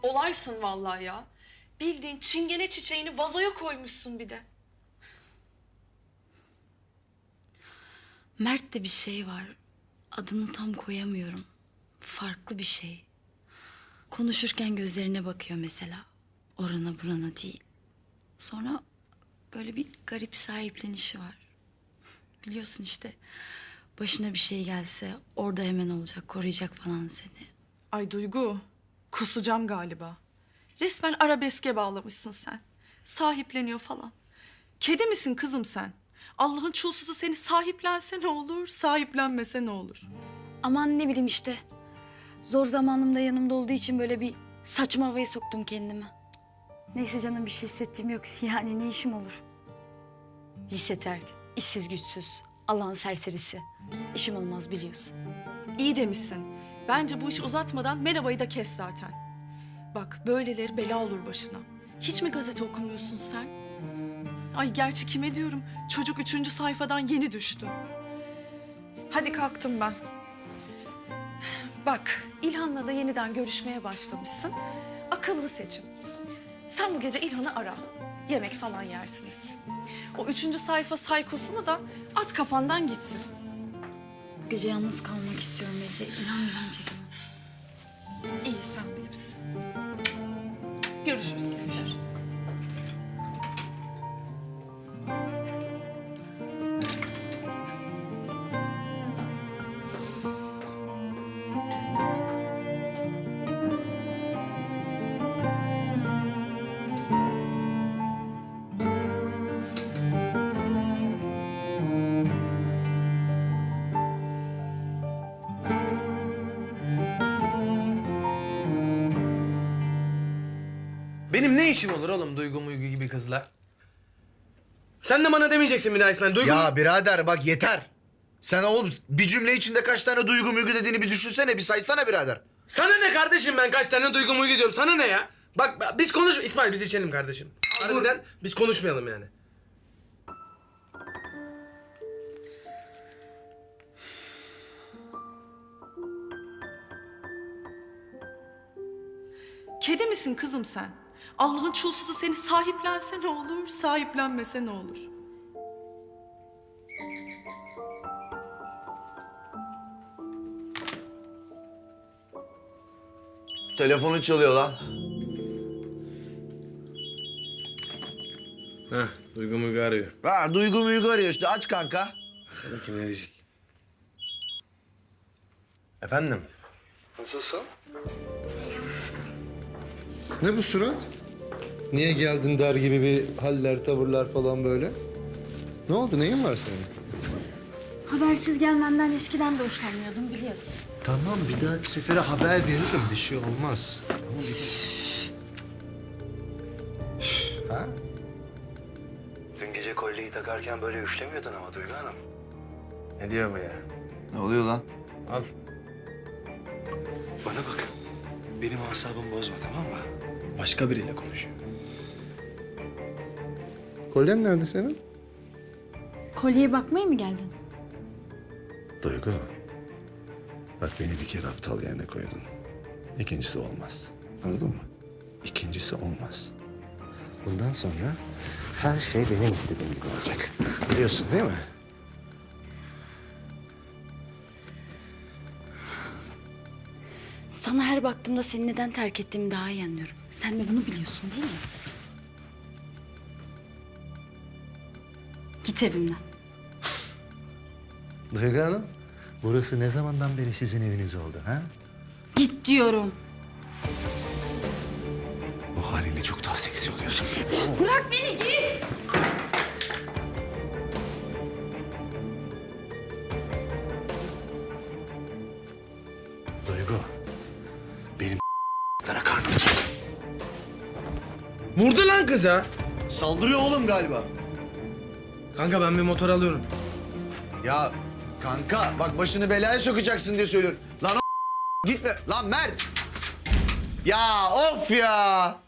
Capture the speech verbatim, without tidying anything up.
Olaysın vallahi ya. Bildiğin çingene çiçeğini vazoya koymuşsun bir de. Mert'te bir şey var. Adını tam koyamıyorum. Farklı bir şey. Konuşurken gözlerine bakıyor mesela. Orana burana değil. Sonra böyle bir garip sahiplenişi var. Biliyorsun işte başına bir şey gelse orada hemen olacak, koruyacak falan seni. Ay Duygu, kusacağım galiba. Resmen arabeske bağlamışsın sen. Sahipleniyor falan. Kedi misin kızım sen? Allah'ın çulsuzu seni sahiplense ne olur, sahiplenmese ne olur? Aman ne bileyim işte. Zor zamanımda yanımda olduğu için böyle bir saçma havaya soktum kendimi. Neyse canım bir şey hissettiğim yok. Yani ne işim olur? Lise terk, işsiz güçsüz, Allah'ın serserisi. İşim olmaz biliyorsun. İyi demişsin. Bence bu işi uzatmadan merhabayı da kes zaten. Bak böyleleri bela olur başına. Hiç mi gazete okumuyorsun sen? Ay gerçi kime diyorum? Çocuk üçüncü sayfadan yeni düştü. Hadi kalktım ben. Bak İlhan'la da yeniden görüşmeye başlamışsın. Akıllı seçim. Sen bu gece İlhan'ı ara. Yemek falan yersiniz. O üçüncü sayfa saykosunu da at kafandan gitsin. Bu gece yalnız kalmak istiyorum Ece. İnan inan çekemem. İyi sen bilirsin. Görüşürüz. Görüşürüz. Benim ne işim olur oğlum Duygu Muygu gibi kızla? Sen de bana demeyeceksin bir daha İsmail. Duygu... Ya birader bak yeter. Sen oğlum bir cümle içinde kaç tane duygu mügü dediğini bir düşünsene, bir saysana birader. Sana ne kardeşim, ben kaç tane Duygu Muygu diyorum, sana ne ya? Bak biz konuş... İsmail biz içelim kardeşim. Harbiden biz konuşmayalım yani. Kedi misin kızım sen? Allah'ın çulsuzu seni sahiplense ne olur, sahiplenmese ne olur? Telefonun çalıyor lan. Heh, Duygu Muygu arıyor. Ha, duygu mügü arıyor işte, aç kanka. Dur bakayım ne diyecek. Efendim? Nasılsın? Ne bu surat? Niye geldin der gibi bir haller, tavırlar falan böyle? Ne oldu? Neyin var senin? Habersiz gelmenden eskiden de hoşlanmıyordum biliyorsun. Tamam, bir dahaki sefere haber veririm. Bir şey olmaz. Tamam, bir Ha? Dün gece kolyeyi takarken böyle üflemiyordun ama Duygu Hanım. Ne diyor bu ya? Ne oluyor lan? Al. Bana bak. Benim asabımı bozma, tamam mı? Başka biriyle konuşuyor. Kolyen nerede senin? Kolyeye bakmaya mı geldin? Duygu, bak beni bir kere aptal yerine koydun. İkincisi olmaz. Anladın mı? İkincisi olmaz. Bundan sonra her şey benim istediğim gibi olacak. Biliyorsun değil mi? Sana her baktığımda seni neden terk ettiğimi daha iyi anlıyorum. Sen de bunu biliyorsun değil mi? Git evimden. Duygu Hanım, burası ne zamandan beri sizin eviniz oldu ha? Git diyorum. Bu halinle çok daha seksi oluyorsun. Bırak beni git. Duygu, benim lara karnım çek. Vurdu lan kıza. Saldırıyor oğlum galiba. Kanka ben bir motor alıyorum. Ya kanka bak başını belaya sokacaksın diye söylüyorum. Lan o gitme. Lan Mert. Ya of ya.